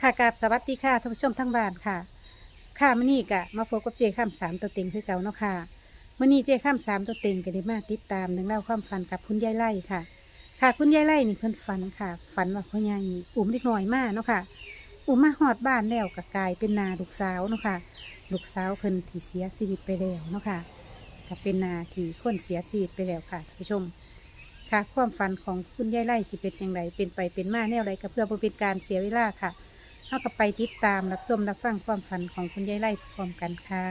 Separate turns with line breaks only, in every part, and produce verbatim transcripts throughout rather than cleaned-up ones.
ค่ะกราบสวัสดีค่ะท่านผู้ชมทั้งบ้านค่ะค่ะมื้อนี้กะมาพบกับเจข้ามสามตัวเต็งคือเก่าเนาะค่ะมื้อนี้เจข้ามสามตัวเต็งก็ได้มาติดตามหนึ่องเล่าวความฝันกับคุณยายไล่ค่ะ ค่ะคุณยายไล่นี่เพิ่นฝันค่ะฝันว่าพ่อใหญ่อุ้มเด็กน้อยมาเนาะค่ะอุ้มมาฮอดบ้านแล้วก็กลายเป็นนาลูกสาวเนาะค่ะลูกสาวเพิ่นที่เสียชีวิตไปแล้วเนาะค่ะก็เป็นนาที่คนเสียชีวิตไปแล้วค่ะท่านผู้ชม ค่ะความฝันของคุณยายไล่สิเป็นอย่างไรเป็นไปเป็นมาแนวไรก็เพื่อบ่เป็นการเสียเวลาค่ะเท่ากับไปติดตามรับชมรับฟังความฝันของคุณยายไล่พร้อมกันค่ะ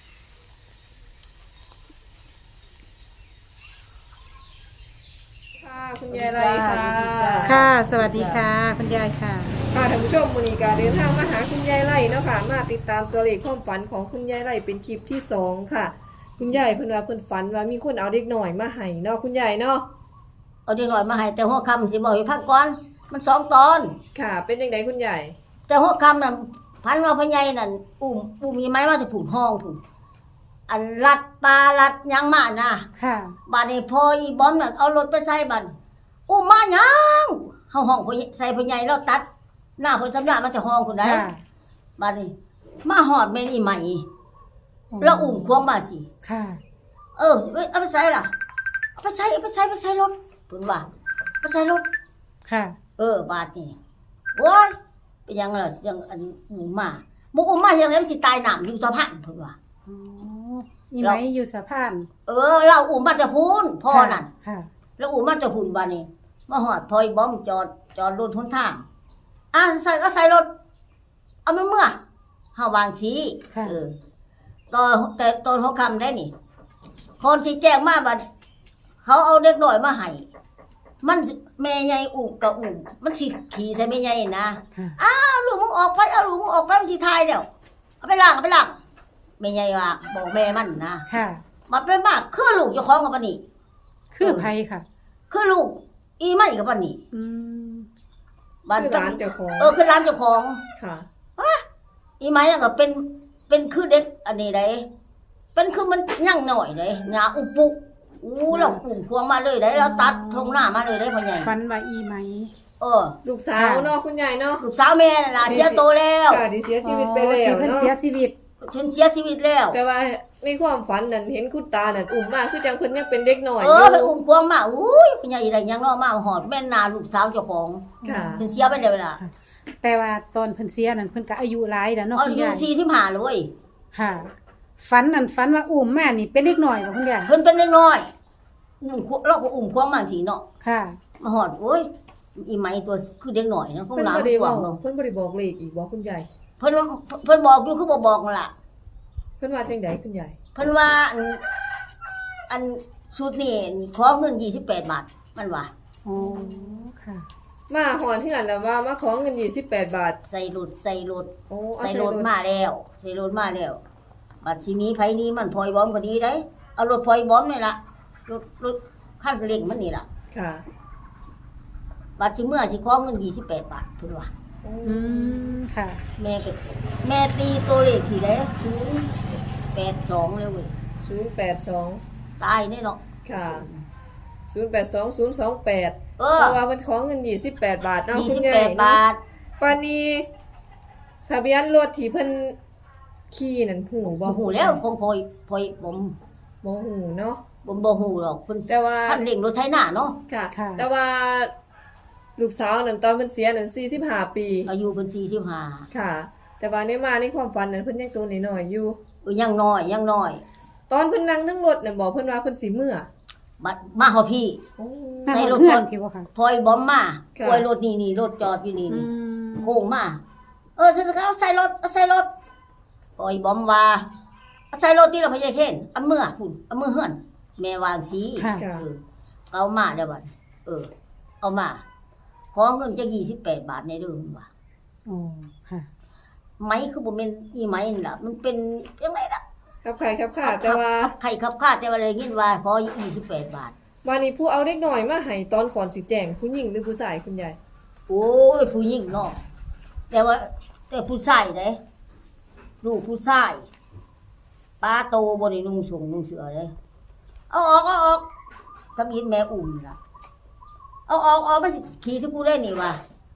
ค่ะคุณยายไรค่ะ
ค่ะ สวัสดีค่ะคุณยายค่ะ
ค่ะท่านผู้ชมมูนีกาเดินทางมาหาคุณยายไรเนาะค่ะมาติดตามตัวเลขความฝันของคุณยายไรเป็นคลิปที่สองค่ะ คุณยายเพิ่นว่าเพิ่นฝันว่ามีคนเอาเด็กหน่อยมาให้เนาะคุณยายเนาะ
เอาเด็กน้อยมาให้แต่หัวค่ำสิบอกให้พักก่อนมันสองตอน
ค่ะ เป็นยังไงคุณยาย
แต่หัวค่ำนั่นพันว่าพ่อใหญ่นั่นอุ้มอุ้มมีไม้มาสิผูกห้องผูกอันรัดปลารัดหยังมาน่ะ
ค่ะ
บัดนี้พออีบอมนั่นเอารถไปใส่บัดอุ้มมาหยังเฮาห้องพ่อใหญ่ใส่พ่อใหญ่แล้วตัด หน้าเพิ่นสำนักมาแต่ห้องพุ่นได้
ค่ะ
บัดนี้ มาฮอดแม่นอีใหม่แล้วอุ้มควงมาสิ
ค่ะ
เออเอ้ยเอาไปใส่ล่ะเอาไปใส่เอาไปใส่ไปใส่รถเพิ่นว่าไปใส่รถ
ค่ะ
เออบาดนี่โอ้ยเป็นยังล่ะยังอันหมูมาหมูอุ้มมายังไงมันสิตายหนามอยู่สะพานเพิ่นว่า
อ๋อมีไหมอยู่สะพาน
เออเราอุ้มมาจะพูนพ่อนั่น
ค่ะ
แล้วอุ้มมาจะพูนบาดนี้มาฮอดพอยบอมจอดจอดรถหนทางอ่ะใส่ก็ใส่รถเอามันเมื่อเฮาวางสีเออตอนแต่ตอนหัวค่ำได้นี่คนสิแจ้งมาบัดเขาเอาเด็กน้อยมาให้มันแม่ใหญ่อุ้มกับอุ้มมันสิขี่ใส่แม่ใหญ่นะ
ค่ะ
เอาลูกมึงออกไปเอาลูกมึงออกไปมันสิทายเดี๋ยวเอาไปล้างเอาไปล้างแม่ใหญ่ว่าบอกแม่มันนะ
ค่ะ
มันเป็นมากคือลูกเจ้าของกับปานนี้
คือไผค่ะ
คือลูกอีไม่กับปานนี้
อืม
บ้าน
คือร้านเจ้าของ
เออคือร้านเจ้าของ
ค่ะ
อีไม่ก็เป็นเป็นคือเด็กอันนี้ได้เป็นคือมันยั่งหน่อยเลยหน้าอุปุอู้เราปุ่มพวงมาเลยได้เราตัดทงหน้ามาเลยได้พ่อใหญ่
ฝันว่าอีไหม
เออ
ลูกสาวเนาะคุณยายเนาะ
ลูกสาวแม่น่ะล่ะเสียโตแล้ว
ค่ะที่เสียชีวิตไปแล้
ที่
ว
เพิ่น
เนาะ
เสียชีวิต
ฉันเสียชีวิตแล้ว
แต่ว่าในความฝันนั่นเห็นคุณตานั่นอุ้มมาคือจังเพิ่นยังเป็นเด็กหน่อย
เอ
อ
อยู่ ไปอุ้มพวงมาอุ้ยเป็นใหญ่ไรยังเนาะมาหอดแม่นาลูกสาวเจ้าของ
ค่ะ
เป็นเสียไปแล้วล่ะ
แต่ว่าตอนเพิ่นเสียนั่นเพิ่นก็อายุหลายแล้วเนาะ
อา
คุณ
ยุ
ยาย
สี่สิบห้าเลย
ค่ะฝันนั่นฝันว่าอุ้มแม่นี่เป็นเล็กน้อยบ่คุณยาย
เพิ่นเป็นเล็กน้อยอุ้มเราก็อุ้มพวงมาสีเนาะ
ค่ะ
มาหอดโอ้ยอีไหมตัวคือเด็กหน่อยนะของ
เพิ่น
หลาน
บ่ได้
พว
เว้าง
เนาะ
เพิ่นบ่ได้บอกเลขอีกบ่คุณยาย
เพิ่นว่าเพิ่นบอกอยู่คือบ่บอกนั่นล่ะ
เพิ่นว่าจังไดคุณยาย
เพิ่นว่าอันอันชุดนี้ขอเงินยี่สิบแปดบาทมันว่า
อ๋อ ค่ะ
มาหอนเฮือนแล้วว่ามาขอเงินยี่สิบแปดบาท
ใส่รถใส่รถ
โอ้เอา
ใส่
ใส่
ร
ร
ถ
ถ
มาแล้วใส่รถมาแล้วบัดทีนี้ไผนี้มันพลอยบอมก็ดีได้เอารถพลอยบอมนี่ล่ะรถรถคันเร่งมันนี่ล่ะ
ค่ะ
บัดสิเมื่อสิขอเงินยี่สิบแปดบาทเพิ่นว่า
อืม ค่ะ
แม่ก็แม่ตีตัวเลขสิได้ศูนย์แปดสองเลยเว้ย
ศูนย์แปดสอง
ตายแน่เนาะ
ค่ะศูนย์แปดสองศูนย์สองแปด
เอ
เพ
อ
ราะว่าเพิ่นขอเงินยี่สิบแปดบาทเนาะ
ยี่
คุ
สิ
ณ
บ
ยา
แป
ย
ดบาท
ปานนี้ทะเบียนรถที่เพิ่นขี่นั่นหูบ่
บ่ฮู้แล้วคงพลอยพลอยผม
บ่หูเนาะ
บ่บ่ฮู้หรอกเพิ่น
แต่ว่า
คันเร่งรถไถนาเนาะ
ค่ะ
ค่ะ
แต่ว่าลูกสาวนั่นตอนเพิ่นเสียนั่นสี่สิบห้าปี
อายุเพิ่นสี่สิบห้า
ค่ะ แต่ว่าในมาในความฝันนั้นเพิ่นยังตัวน้อยๆอยู่
เออยังน้อยยังน้อย
ตอนเพิ่นนั่งทั้งรถน่ะบอกเพิ่นว่าเพิ่นสิเมื่อ
บัดมาฮอดพี่
โอ้
นั่ง
ใส่รถ
เพื่อน
ก่อน
พี่บ่ค่ะ
พลอยบอมมา
ค่ะ
พลอยรถนี่นี่รถจอดอยู่นี่
อื
นี่
ม
โค้งมาเออใส่เอาใส่รถเอาใส่รถพลอยบอมว่าเอาใส่รถที่เราพยายเห็นเอามือพุ่นเอามือเฮือนแม่วางสี
ค่ะ
ค่ะ
เออเอามาเดี๋ยวบัดเออ เอามาขอเงินจะยี่สิบแปดบาทในเรื่องว่ะ
อ๋อ ค่ะ
ไหมคือบ่แม่นอีไหมนี่ล่ะมันเป็นจังไดล่ะ
ครับใครครับค่ะแต่ว่า
ขับไข่ขับข้าแต่ว่าเลยยินว่าขอยี่สิบแปดบาท
วันนี้ผู้เอาเด็กน้อยมาให้ตอนก่อนสิแจ้งผู้หญิงหรือผู้ชายคุณยาย
โอ้ยผู้หญิงเนาะแต่ว่า แต่ผู้ชายเด้ลูกผู้ชายป้าโตบ่ได้นุ่งสูงนุ่งเสื้อเด้เอาออกเอาออกทำยินแม่อุ่มล่ะเอาออกเอามาสิขี่สิกูได้นี่ว่ะ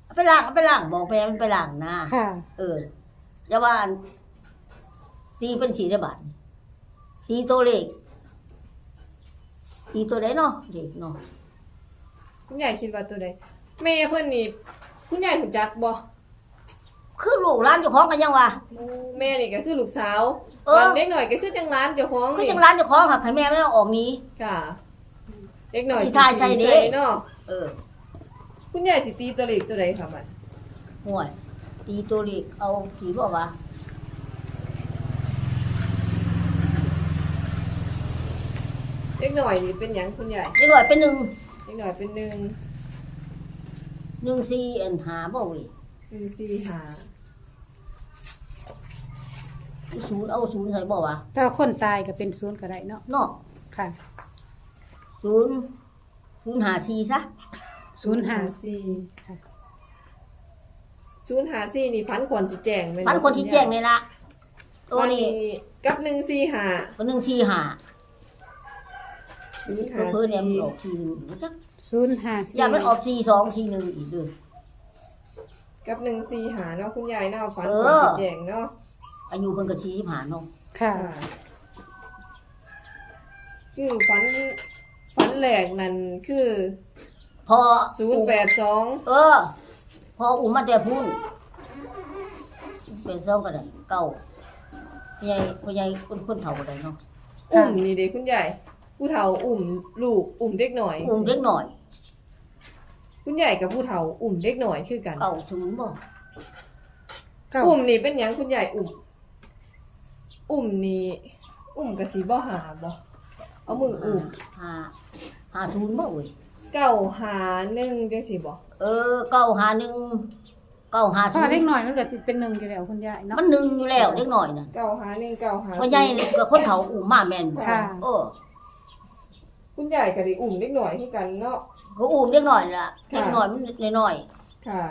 เอาไปล้างเอาไปล้างบอกแม่มันไปล้างนะ
ค่ะ
เอออย่าว่าอันตีเป็นสีได้บาทตีตัวเลขตีตัวใดเนาะเด็กเนาะ
คุณยายคิดว่าตัวใดแม่เพิ่นนี่คุณยายรู้จักบ่
คือลูกร้านเจ้าของกันยังวะ
แม่นี่ก็คือลูกสาว
เออ
วันเด็กหน่อยก็คือจังร้านเจ้าของ
คือ
นี่
จังร้านเจ้าของค่ะใครแม่ไม่ต้องออกหนี้
ค่ะเด็กหน่อย
สิทายใส่เด้
เนาะ
เออ
คุณยายสิตีตัวเลขตัวใดค่ะบัด
ห่วยตีตัวเลขเอาสีบอกว่า
เด็กหน่อยนี่เป็นหยังคุณยาย
เด็กหน่อยเป็นหนึ่ง
เด็กหน่อยเป็นหนึ่ง
หนึ่งสี่อันหาบ่เว้ย
หนึ่งสี่ห้า
ศูนย์เอาศูนย์ใส่บอกว่า
ถ้าคนตายก็เป็นศูนย์ก็ได้เนาะ
เนาะ
ค่ะ
ศูนย์ศูนย์หาสี่ซะ
ศูนย์ห้า
สี่
ค่ะ
ศูนย์ห้าสี่นี่ฝันคนสิแจ้งแม่
พันคนที่แจ้งเลยละตัว
วัน
นี้
นี้กับหนึ่งสี่ห้า
ก็หนึ่งสี่หา
ศูนย์ห้า
เพื่อเนี่ยมัน
สี่
ออกสี่หนึ่งอีกจัก
ศูนย์ห้า
อย่ามันออกสี่สองสี่หนึ่งอีกเด้อ
กับหนึ่งสี่ห้าเนาะคุณยายเนาะฝัน
เอ
คน
อ
สิแจ้งเนาะ
อายุเพิ่นก็สี่สิบห้าเนาะ
ค่ะ
คือฝันฝันแหลกนั่นคือ
พอ
ศูนย์แปดสอง
เออ พออุ้มมาแต่พูนเป็นสองก็ได้เก้าพ่อใหญ่พ่อใหญ่คนคนเฒ่าก็ได้เนาะ
อุ่มนี่เด็กคุณยายผู้เฒ่าอุ่มลูกอุ่มเด็กหน่อย
อุ้มเล็กหน่อย
คุณยายกับผู้เฒ่าอุ่มเด็กหน่อยคือกัน
เก้าศูนย์บ่
เก้า
อุ่มนี่เป็นหยังคุณยายอุ่มอุ่มนี่อุ่มกับสีบ่หาบ่เอามืออุ่ม
ห้าห้าศูนย์บ่เว้ย
เก้าหาหนึ่งจังสิบ่
เออเก้าห้าหนึ่งเก้าห้า
เพ
ศู
ราะ
น
ว่าเล็ก
ย์
หน่อยมันก็สิเป็นหนึ่งอยู่แล้วคุณยายเนาะ
มันหนึ่งอยู่แล้วเล็กหน่อยน่ะ
เก้าหาหนึ่งเก้าหา
พ่อใหญ่นี่ก็คนเฒ่าอุ้มมาแม่นบ่
ค่ะ
เออ
คุณยายก็ได้อุ่มเด็กหน่อยคือกันเนาะ
ก็อุ้มเล็กหน่อยล่ะ
ค่ะ
เล็กหน่อยมันน้อย
ค่ะ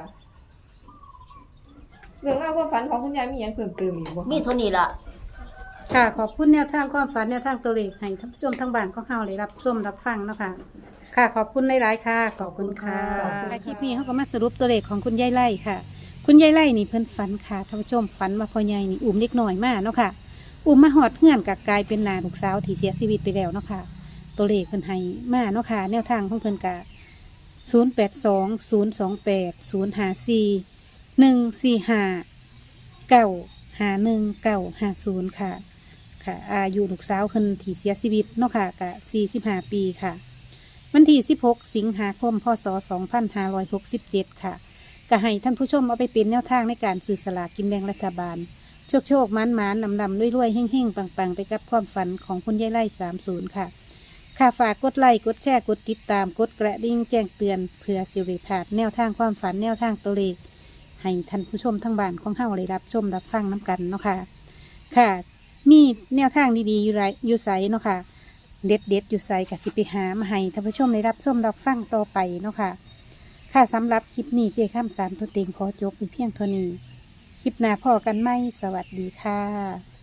เรื่องราวความฝันของคุณยายมีหยังเพิ่มเติมอีกบ่
ๆมีเท่านี้ล่ะ
ค่ะ ขอบคุณแนวทางความฝันแนวทางตัวเลขให้ท่านผู้ชมทางบ้านของเฮาได้รับชมรับฟังเนาะค่ะ ค่ะ ขอบคุณหลายๆค่ะ ขอบคุณค่ะคลิปนี้เขาก็มาสรุปตัวเลขของคุณยายไล่ค่ะ คุณยายไล่นี่เพิ่นฝันค่ะท่านผู้ชมฝันมาพ่อใหญ่นี่อุ้มเล็กน้อยมากเนาะค่ะ อุ้มมาหอดเฮือนกับกลายเป็นนาลูกสาวที่เสียชีวิตไปแล้วเนาะค่ะ ตัวเลขเพิ่นให้มาเนาะค่ะ แนวทางของเพิ่นกะศูนย์แปดสองศูนย์สองแปดศูนย์ห้าสี่หนึ่งสี่ห้าเก้าห้าหนึ่งเก้าห้าศูนย์ค่ะ ค่ะ อายุลูกสาวเพิ่นที่เสียชีวิตเนาะค่ะกะสี่สิบห้าปีค่ะ วันที่สิบหกสิงหาคมพศสองพันห้าร้อยหกสิบเจ็ดค่ะก็ให้ท่านผู้ชมเอาไปเป็นแนวทางในการซื้อสลากกินแบ่งรัฐบาล โชคโชคมันมันนำนำรวยๆเฮ่งเฮ่งปังปังไปกับความฝันของคุณยายไล่สามศูนย์ค่ะ ค่ะฝากกดไลค์กดแชร์กดติดตามกดกระดิ่งแจ้งเตือนเพื่อสิริพลาดแนวทางความฝันแนวทางตัวเลขให้ท่านผู้ชมทั้งบ้านของเฮาได้รับชมรับฟังน้กันเนาะค่ะ ค่ะ มีแนวทางดีๆอยู่ไรอยู่ไสเนาะค่ะ เด็ดเด็ดๆอยู่ไสกับสิไปหามาให้ท่านผู้ชมได้รับชมรับฟังต่อไปเนาะค่ะ ค่ะสำหรับคลิปนี้เจข้ามสามตัวเต็งขอจบไปเพียงเท่านี้ คลิปหน้าพอกันไหมสวัสดีค่ะ